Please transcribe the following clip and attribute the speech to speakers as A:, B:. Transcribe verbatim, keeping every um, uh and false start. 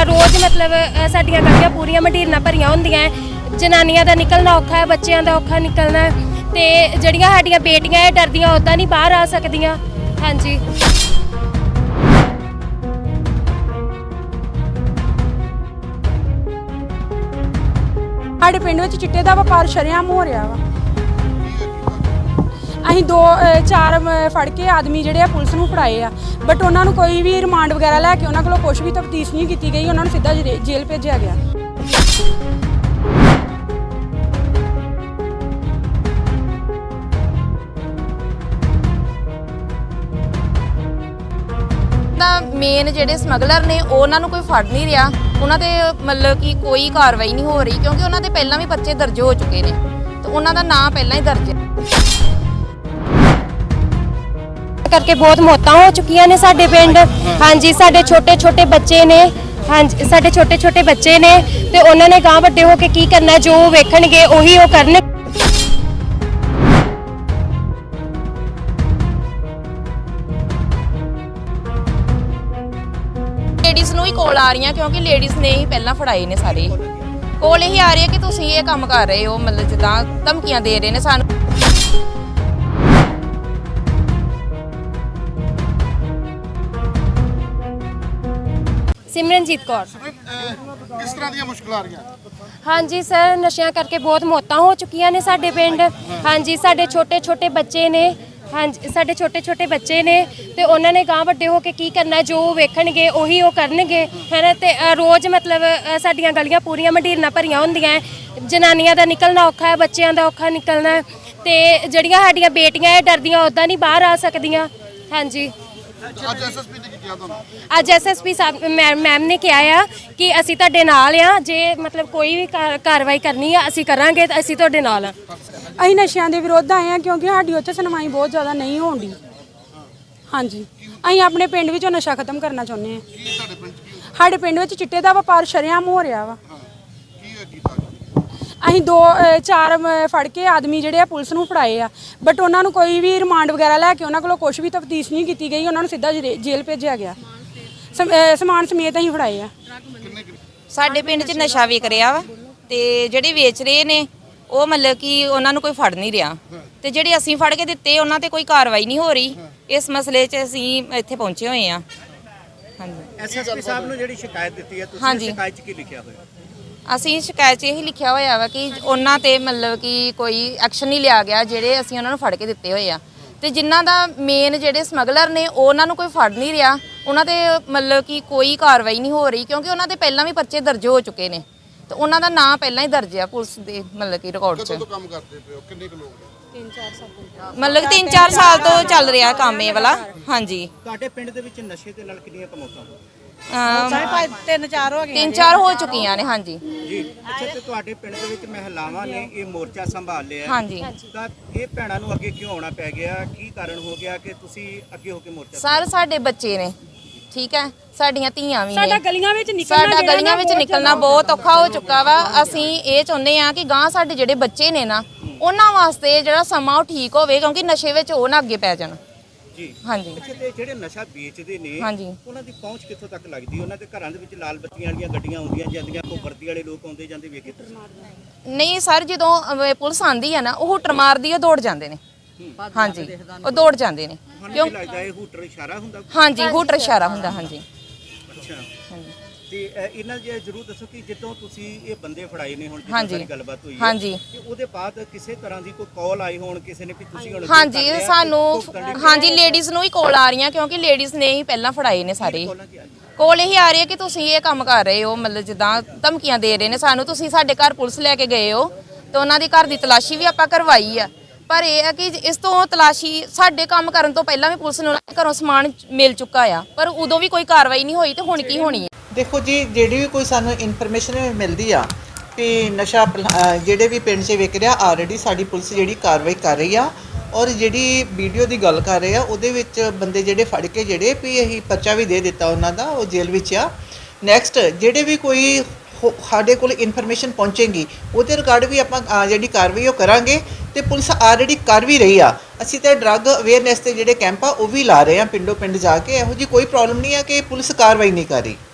A: रोज़ मतलब साडियां गलियां पूरियां मंडीरना भरियां होंदियां जनानियां दा निकलना औखा है, बच्चों का औखा निकलना ते जिहड़ियां साडियां बेटियां डरदियां उदां नहीं बाहर आ सकदियां। हाँ जी
B: ਸਾਡੇ ਪਿੰਡ ਵਿੱਚ ਚਿੱਟੇ ਦਾ ਵਪਾਰ ਸ਼ਰੇਆਮ ਹੋ ਰਿਹਾ ਵਾ। ਅਸੀਂ ਦੋ ਚਾਰ ਫੜ ਕੇ ਆਦਮੀ ਜਿਹੜੇ ਆ ਪੁਲਿਸ ਨੂੰ ਫੜਾਏ ਆ, ਬਟ ਉਹਨਾਂ ਨੂੰ ਕੋਈ ਵੀ ਰਿਮਾਂਡ ਵਗੈਰਾ ਲੈ ਕੇ ਉਹਨਾਂ ਕੋਲੋਂ ਕੁਝ ਵੀ ਤਫਤੀਸ਼ ਨਹੀਂ ਕੀਤੀ ਗਈ, ਉਹਨਾਂ ਨੂੰ ਸਿੱਧਾ ਜੇਲ੍ਹ ਭੇਜਿਆ ਗਿਆ।
C: ਮੇਨ ਜਿਹੜੇ ਸਮਗਲਰ ਨੇ ਉਹਨਾਂ ਨੂੰ ਕੋਈ ਫੜ ਨਹੀਂ ਰਿਹਾ, ਉਹਨਾਂ ਤੇ ਮਤਲਬ ਕਿ ਕੋਈ ਕਾਰਵਾਈ ਨਹੀਂ ਹੋ ਰਹੀ ਕਿਉਂਕਿ ਉਹਨਾਂ ਦੇ ਪਹਿਲਾਂ ਵੀ ਪਰਚੇ ਦਰਜ ਹੋ ਚੁੱਕੇ ਨੇ ਤੇ ਉਹਨਾਂ ਦਾ ਨਾਂ ਪਹਿਲਾਂ ਹੀ ਦਰਜ ਹੈ।
A: करके बहुत मौतां हो चुकियां ने साडे पिंड। हाँ जी साडे छोटे छोटे बच्चे ने, हाँ जी साडे छोटे छोटे बच्चे ने ते उन्होंने गांव वड्डे हो के की करना, जो वेखणगे उही वो करन।
C: ਲੇਡੀਜ਼ ਨੂੰ ਹੀ ਕੋਲ ਆ ਰਹੀਆਂ ਕਿਉਂਕਿ ਲੇਡੀਜ਼ ਨੇ ਹੀ ਪਹਿਲਾਂ ਫੜਾਏ ਨੇ ਸਾਰੇ ਕੋਲ ਇਹੀ ਆ ਰਹੀ ਹੈ ਕਿ ਤੁਸੀਂ ਇਹ ਕੰਮ ਕਰ ਰਹੇ ਹੋ, ਮਤਲਬ ਜਿੱਦਾਂ ਧਮਕੀਆਂ ਦੇ ਰਹੇ ਨੇ ਸਾਨੂੰ।
A: सिमरनजीत कौर।
D: किस तरह दी मुश्किल आ रही है?
A: हाँ जी सर नशियां करके बहुत मौतां हो चुकियां ने साडे पिंड। हाँ जी साडे छोटे छोटे बच्चे ने, हाँ जी साडे छोटे छोटे बच्चे ने ते उन्होंने गांव वड्डे हो के की करना, जो वेखणगे उही वो करनगे है ना। ते रोज़ मतलब साडियां गलियां पूरियां मंडीरना भरियां होंदियां जनानियां दा निकलना औखा है, बच्चों का औखा निकलना ते जिहड़ियां साडियां बेटियां डरदियां उदां नहीं बाहर आ सकदियां। हाँ जी ਅੱਜ ਐਸ ਐਸ ਪੀ ਸਾਹਿਬ ਮੈਮ ਨੇ ਕਿਹਾ ਆ ਕਿ ਅਸੀਂ ਤੁਹਾਡੇ ਨਾਲ ਆ, ਜੇ ਮਤਲਬ ਕੋਈ ਵੀ ਕਾਰਵਾਈ ਕਰਨੀ ਆ ਅਸੀਂ ਕਰਾਂਗੇ ਤਾਂ ਅਸੀਂ ਤੁਹਾਡੇ ਨਾਲ ਆ।
B: ਅਸੀਂ ਨਸ਼ਿਆਂ ਦੇ ਵਿਰੁੱਧ ਆਏ ਆ ਕਿਉਂਕਿ ਸਾਡੀ ਉੱਥੇ ਸੁਣਵਾਈ ਬਹੁਤ ਜ਼ਿਆਦਾ ਨਹੀਂ ਹੋਣ ਦੀ। ਹਾਂਜੀ ਅਸੀਂ ਆਪਣੇ ਪਿੰਡ ਵਿੱਚੋਂ ਨਸ਼ਾ ਖਤਮ ਕਰਨਾ ਚਾਹੁੰਦੇ ਹਾਂ। ਸਾਡੇ ਪਿੰਡ ਵਿੱਚ ਚਿੱਟੇ ਦਾ ਵਪਾਰ ਸ਼ਰੇਆਮ ਹੋ ਰਿਹਾ ਵਾ। ਅਸੀਂ ਦੋ ਚਾਰ ਫੜ ਕੇ ਆਦਮੀ ਜਿਹੜੇ ਆ ਪੁਲਿਸ ਨੂੰ ਫੜਾਏ ਆ, ਬਟ ਉਹਨਾਂ ਨੂੰ ਕੋਈ ਵੀ ਰਿਮਾਂਡ ਵਗੈਰਾ ਲੈ ਕੇ ਉਹਨਾਂ ਕੋਲੋਂ ਕੁਝ ਵੀ ਤਫਤੀਸ਼ ਨਹੀਂ ਕੀਤੀ ਗਈ, ਉਹਨਾਂ ਨੂੰ ਸਿੱਧਾ ਜੇਲ੍ਹ ਭੇਜਿਆ ਗਿਆ। ਸਮਾਨ ਸਮੇਤ ਅਸੀਂ ਫੜਾਏ ਆ।
C: ਸਾਡੇ ਪਿੰਡ 'ਚ ਨਸ਼ਾ ਵਿਕ ਰਿਹਾ ਵਾ ਤੇ ਜਿਹੜੇ ਵੇਚ ਰਹੇ ਨੇ ਉਹ ਮਤਲਬ ਕਿ ਉਹਨਾਂ ਨੂੰ ਕੋਈ ਫੜ ਨਹੀਂ ਰਿਹਾ ਤੇ ਜਿਹੜੇ ਅਸੀਂ ਫੜ ਕੇ ਦਿੱਤੇ ਉਹਨਾਂ ਤੇ ਕੋਈ ਕਾਰਵਾਈ ਨਹੀਂ ਹੋ ਰਹੀ। ਇਸ ਮਸਲੇ 'ਚ ਅਸੀਂ ਇੱਥੇ ਪਹੁੰਚੇ ਹੋਏ ਆ। ਹਾਂਜੀ
E: ਐਸ ਐਸ ਪੀ ਸਾਹਿਬ ਨੂੰ ਜਿਹੜੀ ਸ਼ਿਕਾਇਤ ਦਿੱਤੀ ਹੈ ਤੁਸੀਂ ਸ਼ਿਕਾਇਤ 'ਚ ਕੀ ਲਿਖਿਆ ਹੋਇਆ?
C: ਅਸੀਂ ਸ਼ਿਕਾਇਤ 'ਚ ਇਹੀ ਲਿਖਿਆ ਹੋਇਆ ਵਾ ਕਿ ਉਹਨਾਂ ਤੇ ਮਤਲਬ ਕਿ ਕੋਈ ਐਕਸ਼ਨ ਨਹੀਂ ਲਿਆ ਗਿਆ ਜਿਹੜੇ ਅਸੀਂ ਉਹਨਾਂ ਨੂੰ ਫੜ ਕੇ ਦਿੱਤੇ ਹੋਏ ਆ ਤੇ ਜਿਨ੍ਹਾਂ ਦਾ ਮੇਨ ਜਿਹੜੇ ਸਮਗਲਰ ਨੇ ਉਹਨਾਂ ਨੂੰ ਕੋਈ ਫੜ ਨਹੀਂ ਰਿਹਾ, ਉਹਨਾਂ ਤੇ ਮਤਲਬ ਕਿ ਕੋਈ ਕਾਰਵਾਈ ਨਹੀਂ ਹੋ ਰਹੀ ਕਿਉਂਕਿ ਉਹਨਾਂ ਦੇ ਪਹਿਲਾਂ ਵੀ ਪਰਚੇ ਦਰਜ ਹੋ ਚੁੱਕੇ ਨੇ ਤੇ ਉਹਨਾਂ ਦਾ ਨਾਂ ਪਹਿਲਾਂ ਹੀ ਦਰਜ ਆ ਪੁਲਿਸ ਦੇ ਮਤਲਬ ਕਿ ਰਿਕਾਰਡ 'ਚ।
D: ਕਦੋਂ ਤੋਂ ਕੰਮ ਕਰਦੇ ਪਏ ਹੋ? ਕਿੰਨੇ ਕੁ ਲੋਕ ਨੇ?
A: ਤਿੰਨ ਚਾਰ ਸਾਲ
C: ਮਤਲਬ ਤਿੰਨ ਚਾਰ ਸਾਲ ਤੋਂ ਚੱਲ ਰਿਹਾ ਕੰਮ ਇਹ ਵਾਲਾ। ਹਾਂਜੀ
E: ਤੁਹਾਡੇ ਪਿੰਡ ਦੇ ਵਿੱਚ ਨਸ਼ੇ ਦੇ ਨਾਲ ਕਿੰਨੀਆਂ ਕਮੌਤਾਂ ਹੋਈਆਂ?
C: ਤਿੰਨ ਚਾਰ ਹੋ ਗਈਆਂ ਤਿੰਨ ਚਾਰ ਹੋ ਚੁੱਕੀਆਂ ਨੇ। ਹਾਂਜੀ
E: ਜੀ ਅੱਛਾ ਤੇ ਤੁਹਾਡੇ ਪਿੰਡ ਦੇ ਵਿੱਚ ਮਹਿਲਾਵਾਂ ਨੇ ਇਹ ਮੋਰਚਾ ਸੰਭਾਲ ਲਿਆ।
C: ਹਾਂਜੀ
E: ਤਾਂ ਇਹ ਭੈਣਾਂ ਨੂੰ ਅੱਗੇ ਕਿਉਂ ਆਉਣਾ ਪੈ ਗਿਆ? ਕੀ ਕਾਰਨ ਹੋ ਗਿਆ ਕਿ ਤੁਸੀਂ ਅੱਗੇ ਹੋ ਕੇ ਮੋਰਚਾ?
C: ਸਰ ਸਾਡੇ ਬੱਚੇ ਨੇ, ਠੀਕ ਹੈ, ਸਾਡੀਆਂ ਧੀਆਂ ਵੀ ਨੇ,
B: ਸਾਡਾ ਗਲੀਆਂ ਵਿੱਚ ਨਿਕਲਣਾ
C: ਸਾਡਾ ਗਲੀਆਂ ਵਿੱਚ ਨਿਕਲਣਾ ਬਹੁਤ ਔਖਾ ਹੋ ਚੁੱਕਾ ਵਾ। ਅਸੀਂ ਇਹ ਚਾਹੁੰਦੇ ਆ ਕਿ ਗਾਂ ਸਾਡੇ ਜਿਹੜੇ ਬੱਚੇ ਨੇ ਨਾ ਉਹਨਾਂ ਵਾਸਤੇ ਜਿਹੜਾ ਸਮਾਂ ਉਹ ਠੀਕ ਹੋਵੇ ਕਿਉਂਕਿ ਨਸ਼ੇ ਵਿੱਚ ਉਹ ਨਾ ਅੱਗੇ ਪੈ ਜਾਣ।
E: ਜੀ
C: ਹਾਂਜੀ
E: ਅੱਛਾ ਤੇ ਜਿਹੜੇ ਨਸ਼ਾ ਵੇਚਦੇ ਨੇ
C: ਹਾਂਜੀ
E: ਉਹਨਾਂ ਦੀ ਪਹੁੰਚ ਕਿੱਥੋਂ ਤੱਕ ਲੱਗਦੀ? ਉਹਨਾਂ ਦੇ ਘਰਾਂ ਦੇ ਵਿੱਚ ਲਾਲ ਬੱਤੀਆਂ ਵਾਲੀਆਂ ਗੱਡੀਆਂ ਆਉਂਦੀਆਂ ਜਾਂਦੀਆਂ, ਕੋਈ ਵਰਦੀ ਵਾਲੇ ਲੋਕ ਆਉਂਦੇ ਜਾਂਦੇ ਵੇਖੇ?
C: ਨਹੀਂ ਸਰ ਜਦੋਂ ਅਹ, ਪੁਲਿਸ ਆਂਦੀ ਆ ਨਾ ਉਹ ਹੁਟਰ ਮਾਰਦੀ ਉਹ ਦੌੜ ਜਾਂਦੇ ਨੇ। ਹਾਂਜੀ ਉਹ ਦੌੜ ਜਾਂਦੇ ਨੇ
E: ਕਿਉਂ ਲੱਗਦਾ ਇਹ ਹੂਟਰ ਇਸ਼ਾਰਾ ਹੁੰਦਾ?
C: ਹਾਂਜੀ ਹੂਟਰ ਇਸ਼ਾਰਾ ਹੁੰਦਾ। ਹਾਂਜੀ
E: ਅੱਛਾ
C: ਹਾਂਜੀ
E: ਤੇ ਇਹਨਾਂ ਜੇ ਜ਼ਰੂਰ ਦੱਸੋ ਕਿ ਜਦੋਂ ਤੁਸੀਂ ਇਹ ਬੰਦੇ ਫੜਾਏ ਨੇ ਹੁਣ
C: ਹਾਂਜੀ
E: ਜਿੱਦਾਂ ਗੱਲਬਾਤ ਹੋਈ ਹੈ
C: ਹਾਂਜੀ
E: ਤੇ ਉਹਦੇ ਬਾਅਦ ਕਿਸੇ ਤਰ੍ਹਾਂ ਦੀ ਕੋਈ ਕਾਲ ਆਈ ਹੋਣ ਕਿਸੇ ਨੇ ਵੀ ਤੁਸੀਂ ਹੁਣ
C: ਹਾਂਜੀ ਸਾਨੂੰ ਹਾਂਜੀ ਲੇਡੀਜ਼ ਨੂੰ ਹੀ ਕੋਲ ਆ ਰਹੀਆਂ ਕਿਉਂਕਿ ਲੇਡੀਜ਼ ਨੇ ਹੀ ਪਹਿਲਾਂ ਫੜਾਏ ਨੇ ਸਾਰੇ ਕੋਲ ਇਹੀ ਆ ਰਹੀ ਹੈ ਕਿ ਤੁਸੀਂ ਇਹ ਕੰਮ ਕਰ ਰਹੇ ਹੋ, ਮਤਲਬ ਜਿੱਦਾਂ ਧਮਕੀਆਂ ਦੇ ਰਹੇ ਨੇ ਸਾਨੂੰ, ਤੁਸੀਂ ਸਾਡੇ ਘਰ ਪੁਲਿਸ ਲੈ ਕੇ ਗਏ ਹੋ ਤੇ ਉਹਨਾਂ ਦੀ ਘਰ ਦੀ ਤਲਾਸ਼ੀ ਵੀ ਆਪਾਂ ਕਰਵਾਈ ਆ। ਪਰ ਇਹ ਹੈ ਕਿ ਇਸ ਤੋਂ ਤਲਾਸ਼ੀ ਸਾਡੇ ਕੰਮ ਕਰਨ ਤੋਂ ਪਹਿਲਾਂ ਵੀ ਪੁਲਿਸ ਨੂੰ ਘਰੋਂ ਸਮਾਨ ਮਿਲ ਚੁੱਕਾ ਆ ਪਰ ਉਦੋਂ ਵੀ ਕੋਈ ਕਾਰਵਾਈ ਨਹੀਂ ਹੋਈ ਤੇ ਹੁਣ ਕੀ ਹੋਣੀ ਹੈ?
F: ਦੇਖੋ ਜੀ ਜਿਹੜੀ ਵੀ ਕੋਈ ਸਾਨੂੰ ਇਨਫੋਰਮੇਸ਼ਨ ਮਿਲਦੀ ਆ ਕਿ ਨਸ਼ਾ ਜਿਹੜੇ ਵੀ ਪਿੰਡ 'ਚ ਵਿਕ ਰਿਹਾ ਆਲਰੇਡੀ ਸਾਡੀ ਪੁਲਿਸ ਜਿਹੜੀ ਕਾਰਵਾਈ ਕਰ ਰਹੀ ਆ ਔਰ ਜਿਹੜੀ ਵੀਡੀਓ ਦੀ ਗੱਲ ਕਰ ਰਹੇ ਆ ਉਹਦੇ ਵਿੱਚ ਬੰਦੇ ਜਿਹੜੇ ਫੜ ਕੇ ਜਿਹੜੇ ਵੀ ਅਸੀਂ ਪਰਚਾ ਵੀ ਦੇ ਦਿੱਤਾ ਉਹਨਾਂ ਦਾ, ਉਹ ਜੇਲ੍ਹ ਵਿੱਚ ਆ। ਨੈਕਸਟ ਜਿਹੜੇ ਵੀ ਕੋਈ ਸਾਡੇ ਕੋਲ ਇਨਫੋਰਮੇਸ਼ਨ ਪਹੁੰਚੇਗੀ ਉਹਦੇ ਰਿਗਾਰਡ ਵੀ ਆਪਾਂ ਜਿਹੜੀ ਕਾਰਵਾਈ ਉਹ ਕਰਾਂਗੇ ਤੇ ਪੁਲਿਸ ਆਲਰੇਡੀ ਕਰ ਵੀ ਰਹੀ ਆ। ਅਸੀਂ ਤਾਂ ਡਰੱਗ ਅਵੇਅਰਨੈਸ ਤੇ ਜਿਹੜੇ ਕੈਂਪ ਆ ਉਹ ਵੀ ਲਾ ਰਹੇ ਆ ਪਿੰਡੋਂ ਪਿੰਡ ਜਾ ਕੇ। ਇਹੋ ਜਿਹੀ ਕੋਈ ਪ੍ਰੋਬਲਮ ਨਹੀਂ ਆ ਕਿ ਪੁਲਿਸ ਕਾਰਵਾਈ ਨਹੀਂ ਕਰ ਰਹੀ।